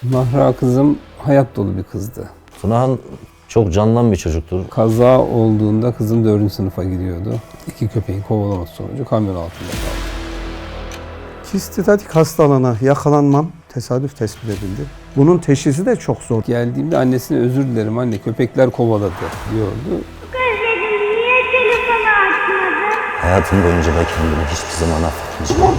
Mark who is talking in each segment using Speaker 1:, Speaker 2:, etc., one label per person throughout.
Speaker 1: Mahra kızım hayat dolu bir kızdı.
Speaker 2: Tunahan çok candan bir çocuktur.
Speaker 1: Kaza olduğunda kızım 4. sınıfa gidiyordu. 2 köpeğin kovalaması sonucu kamyon altında kaldı.
Speaker 3: Kistatik hastalığına yakalanmam tesadüf tespit edildi. Bunun teşhisi de çok zor.
Speaker 1: Geldiğimde annesine özür dilerim anne köpekler kovaladı diyordu.
Speaker 4: Niye telefonu açmadın?
Speaker 2: Hayatım boyunca da kendimi hiçbir zaman affetmeyeceğim.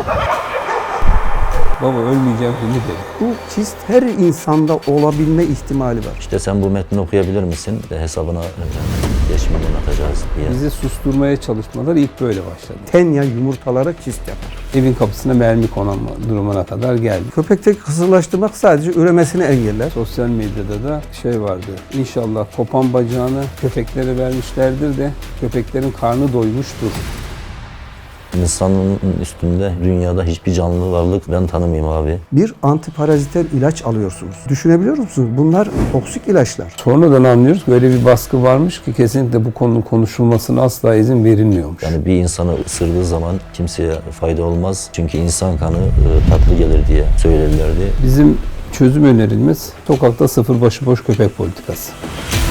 Speaker 1: Baba ölmeyeceğim dedi.
Speaker 3: Bu kist her insanda olabilme ihtimali var.
Speaker 2: İşte sen bu metni okuyabilir misin? De hesabına 5 milyon atacağız diye.
Speaker 1: Bizi susturmaya çalışmalar ilk böyle başladı.
Speaker 3: Tenya yumurtalara kist yapar.
Speaker 1: Evin kapısına mermi konan durumuna kadar geldi.
Speaker 3: Köpekteki kısırlaştırmak sadece üremesini engeller.
Speaker 1: Sosyal medyada da şey vardı. İnşallah kopan bacağını köpeklere vermişlerdir de köpeklerin karnı doymuştur.
Speaker 2: İnsanın üstünde dünyada hiçbir canlı varlık ben tanımayayım abi.
Speaker 3: Bir antiparaziter ilaç alıyorsunuz. Düşünebiliyor musunuz? Bunlar toksik ilaçlar.
Speaker 1: Sonradan anlıyoruz ki öyle bir baskı varmış ki kesinlikle bu konunun konuşulmasına asla izin verilmiyormuş.
Speaker 2: Yani bir insanı ısırdığı zaman kimseye fayda olmaz. Çünkü insan kanı tatlı gelir diye söylerlerdi.
Speaker 1: Bizim çözüm önerimiz sokakta 0 başıboş köpek politikası.